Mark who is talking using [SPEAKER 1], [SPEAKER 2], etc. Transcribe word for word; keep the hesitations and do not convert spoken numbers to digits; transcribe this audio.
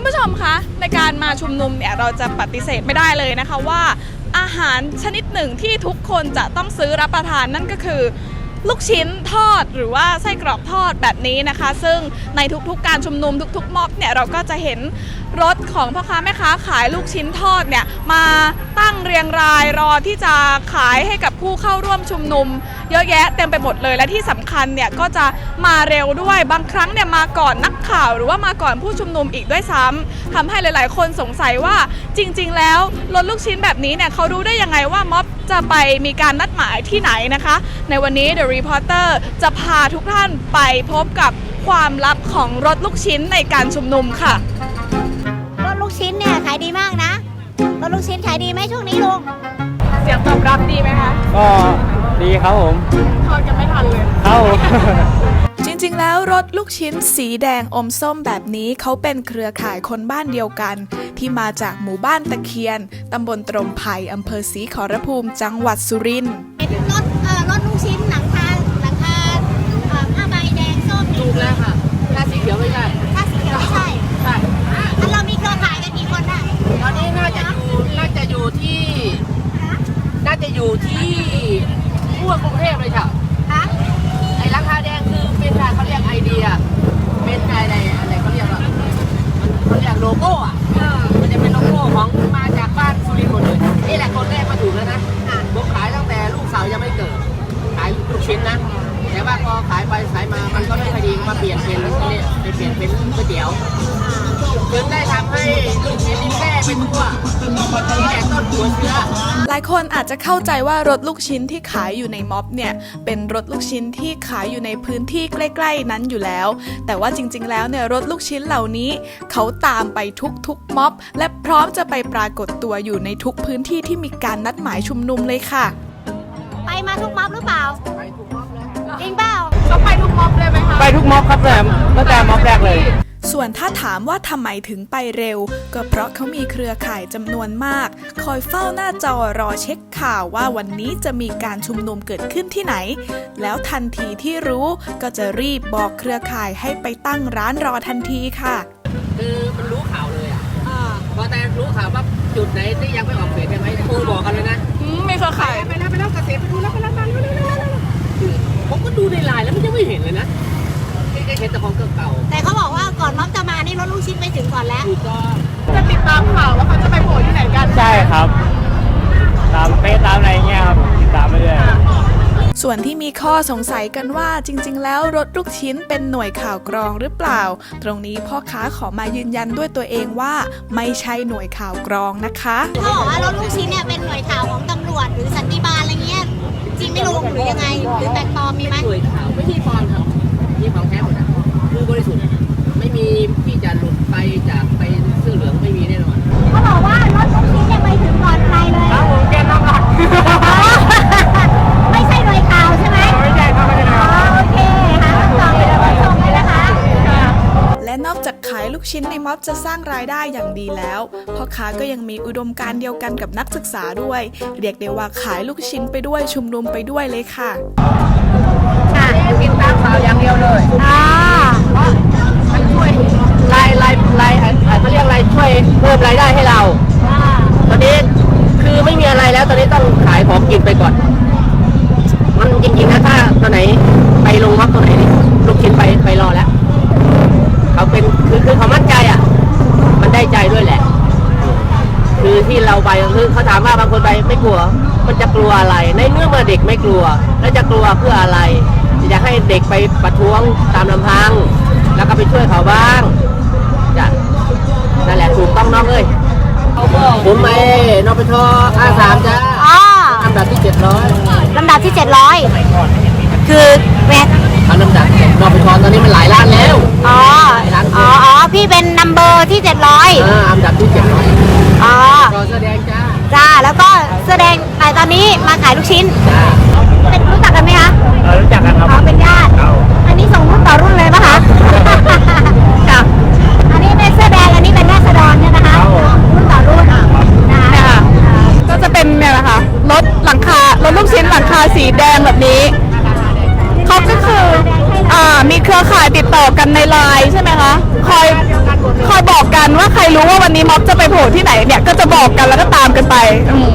[SPEAKER 1] ผู้ชมคะในการมาชุมนุมเนี่ยเราจะปฏิเสธไม่ได้เลยนะคะว่าอาหารชนิดหนึ่งที่ทุกคนจะต้องซื้อรับประทานนั่นก็คือลูกชิ้นทอดหรือว่าไส้กรอกทอดแบบนี้นะคะซึ่งในทุกๆการชุมนุมทุกๆม็อบเนี่ยเราก็จะเห็นรถของพ่อค้าแม่ค้าขายลูกชิ้นทอดเนี่ยมาตั้งเรียงรายรอที่จะขายให้กับผู้เข้าร่วมชุมนุมเยอะแยะเต็มไปหมดเลยและที่สำคัญเนี่ยก็จะมาเร็วด้วยบางครั้งเนี่ยมาก่อนนักข่าวหรือว่ามาก่อนผู้ชุมนุมอีกด้วยซ้ำทำให้หลายๆคนสงสัยว่าจริงๆแล้วรถลูกชิ้นแบบนี้เนี่ยเขารู้ได้ยังไงว่าม็อบจะไปมีการนัดหมายที่ไหนนะคะในวันนี้ The Reporter จะพาทุกท่านไปพบกับความลับของรถลูกชิ้นในการชุมนุมค่ะ
[SPEAKER 2] รถลูกชิ้นเนี่ยขายดีมากนะรถลูกชิ้นขายดีไหมช่วงนี้ลุง
[SPEAKER 1] เสียงตอบรับดีไหมคะ
[SPEAKER 3] ก็ดีครับผม
[SPEAKER 1] ทอดกันไม่ทันเลย
[SPEAKER 3] ครับ
[SPEAKER 4] จริงๆแล้วรถลูกชิ้นสีแดงอมส้มแบบนี้เขาเป็นเครือข่ายคนบ้านเดียวกันที่มาจากหมู่บ้านตะเคียนตำบลตรมไผ่อำเภอศรีขอรภูมิจังหวัดสุรินทร์
[SPEAKER 2] เป็นรถเอ่อรถลูกชิ้นหลังคาหลังคาเอ่อผ้าใบแดงส้ม
[SPEAKER 5] ถูกแล้วค่ะถ้าสีเขียวไม่ใช่
[SPEAKER 2] ถ้าสีเขียวไม่ใช่
[SPEAKER 5] ใช่
[SPEAKER 2] แล้วเรามีเครือข่ายกันกี่คนได้
[SPEAKER 5] ตอนนี้น่าจะอยู่น่าจะอยู่ที่น่าจะอยู่ที่ทั่วกรุงเทพเลยค่ะไอ้ราคาแดงคือเป็นการเขาเรียกไอเดียเป็นอะไรอะไรเขาเรียกว่ามันเขาเรียกโลโก้อะมันจะเป็นโลโก้ของมาจากบ้านสุรินทร์หมดเลยนี่แหละคนแรกมาถูกแล้วนะผมขายตั้งแต่ลูกสาวยังไม่เกิดขายลูกชิ้นนะแต่ว่าพอขายไปขายมามันก็ไม่ค่อยดีมาเปลี่ยนเป็นนี่ไปเปลี่ยนเป็นก๋วยเตี๋ยวจนได้ทำให้ลูกชิ้นแม่เป็นทั่วนี่แหละต้นหัวเชื้อ
[SPEAKER 4] หลายคนอาจจะเข้าใจว่ารถลูกชิ้นที่ขายอยู่ในม็อบเนี่ยเป็นรถลูกชิ้นที่ขายอยู่ในพื้นที่ใกล้ๆนั้นอยู่แล้วแต่ว่าจริงๆแล้วเนี่ยรถลูกชิ้นเหล่านี้เขาตามไปทุกๆม็อบและพร้อมจะไปปรากฏตัวอยู่ในทุกพื้นที่ที่มีการนัดหมายชุมนุมเลยค่ะ
[SPEAKER 2] ไปมาทุกม็อบหรือเปล่า
[SPEAKER 5] ไปทุกม็อบเลย
[SPEAKER 2] จริงเปล่า
[SPEAKER 1] ก็ไปทุกม็อบเลยไหมคะ
[SPEAKER 3] ไปทุกม็อบครับแม่ตั้งแต่ม็อบแรกเลย
[SPEAKER 4] ส่วนถ้าถามว่าทำไมถึงไปเร็วก็เพราะเขามีเครือข่ายจำนวนมากคอยเฝ้าหน้าจอรอเช็คข่าวว่าวันนี้จะมีการชุมนุมเกิดขึ้นที่ไหนแล้วทันทีที่รู้ก็จะรีบบอกเครือข่ายให้ไปตั้งร้านรอทันทีค่ะ
[SPEAKER 5] คือมันรู้ข่าวเลยอ่ะพอแต่รู้ข่าวว่าจุดไหนที่ยังไม่ออกเสียงใช่ไหมโทรบอกกันเลยนะ
[SPEAKER 1] ไม่เครือข่าย
[SPEAKER 5] ไปแล้วไปแล้วเกษตรไปดูแล้วไปแล้วไปแล้วผมก็ดูในไลน์แล้วมันยังไม่เห็นเลยนะเห็นแต่ของเก่า
[SPEAKER 2] แต่เขาบอกว่าก่อนม็อบจะมานี่รถลูกชิ้นไปถึงก่อนแล้ว
[SPEAKER 5] ถูกต้อง
[SPEAKER 1] จะติดตามข่าวว่าเขาจะไปโผล่ที่ไหนกัน
[SPEAKER 3] ใช่ครับตามเฟซตามอะไรเงี้ยครับติดตามไปเรื่อย
[SPEAKER 4] ส่วนที่มีข้อสงสัยกันว่าจริงๆแล้วรถลูกชิ้นเป็นหน่วยข่าวกรองหรือเปล่าตรงนี้พ่อค้าขอมายืนยันด้วยตัวเองว่าไม่ใช่หน่วยข่าวกรองนะคะ
[SPEAKER 2] เขาบอกว่ารถลูกชิ้นเนี่ยเป็นหน่วยข่าวของตำรวจหรือสันติบาลอะไรเงี้ยจริงไม่รู้หรือยังไงหรือแปลกปลอมมีไหม
[SPEAKER 5] หน่วยข่าวไม่ใช่ปลอมครับนี่ของแท้หมดนะคือบริสุทธิ์ไม่มีที่จะหลุดไปจากไปเสื้อเหลืองไม่มีแน่นอน
[SPEAKER 2] เขาบอกว่ารถลูกชิ้นเนี่ยไปถึงก่อนใครเลย
[SPEAKER 3] ครับผมแกนน้ำหนัก
[SPEAKER 2] ไม่ใช่หน่วยข่าวใช่ไหม
[SPEAKER 3] ไม่ใช่ครับไม่ใช่ครับ
[SPEAKER 2] โอเคค่ะต่อไปเราไปชมเลยนะคะ
[SPEAKER 4] และนอกจากขายลูกชิ้นในม็อบจะสร้างรายได้อย่างดีแล้วพ่อค้าก็ยังมีอุดมการณ์เดียวกันกับนักศึกษาด้วยเรียกได้ว่าขายลูกชิ้นไปด้วยชุมนุมไปด้วยเลยค่ะ
[SPEAKER 5] ค่ะกินตามข่าวอย่างเดียวเลย
[SPEAKER 2] อ่า
[SPEAKER 5] มันช่วยรายรายรายเขาเรียกอะไรช่วยเพิ่มรายได้ให้เราตอนนี้คือไม่มีอะไรแล้วตอนนี้ต้องขายของกินไปก่อนมันจริงๆนะถ้าตัวไหนไปลงม็อบตัวไหนลูกชิ้นไปไปรอแล้วเขาเป็นคือคือเขามั่นใจอ่ะมันได้ใจด้วยแหละคือที่เราไปคือเขาถามว่าบางคนไปไม่กลัวมันจะกลัวอะไรในเมื่อเมื่อเด็กไม่กลัวแล้วจะกลัวเพื่ออะไรจะให้เด็กไปประท้วงตามลำพังแล้วก็ไปช่วยเขาบ้างจ้ะนั่นแหละถูกต้องน้องเอ้ยผมไปนปชอาสามจ้าลำดับที่เจ็ดร้อย
[SPEAKER 2] ลำดับที่เจ็ดร้อยคือแม็ก
[SPEAKER 5] ทำลำดับนปชตอนนี้มันหลายล้านแล้ว
[SPEAKER 2] อ๋ออ๋ออ๋อพี่เป็นนัมเบอร์ที่เจ็ดร้อย
[SPEAKER 5] อ่าลำดับที่เจ็ดร้อย
[SPEAKER 2] อ๋อ
[SPEAKER 5] แสดงจ้า
[SPEAKER 2] จ้าแล้วก็แสดงแต่ตอนนี้มาขายลูกชิ้น
[SPEAKER 5] จ้า
[SPEAKER 2] เป็นรู้จักกันไหมคะ
[SPEAKER 3] เออรู้จักกันครับ
[SPEAKER 2] อ๋อเป็นญาติอันนี้ส่งรุ่นต่อรุ่นเลยปะคะค่ะอันนี้เป็นเสื้อแดงอันนี้เป็นราษฎรเนี่ยนะคะรุ่นต่อรุ่น
[SPEAKER 1] นะคะก็จะเป็นเนี่ยแหละค่ะรถหลังคารถลูกชิ้นหลังคาสีแดงแบบนี้เขาก็คืออ่ามีเครือข่ายติดต่อกันในไลน์ใช่ไหมคะคอยคอยบอกกันว่าใครม็อบจะไปโผล่ที่ไหนเนี่ยก็จะบอกกันแล้วก็ตามกันไปอืม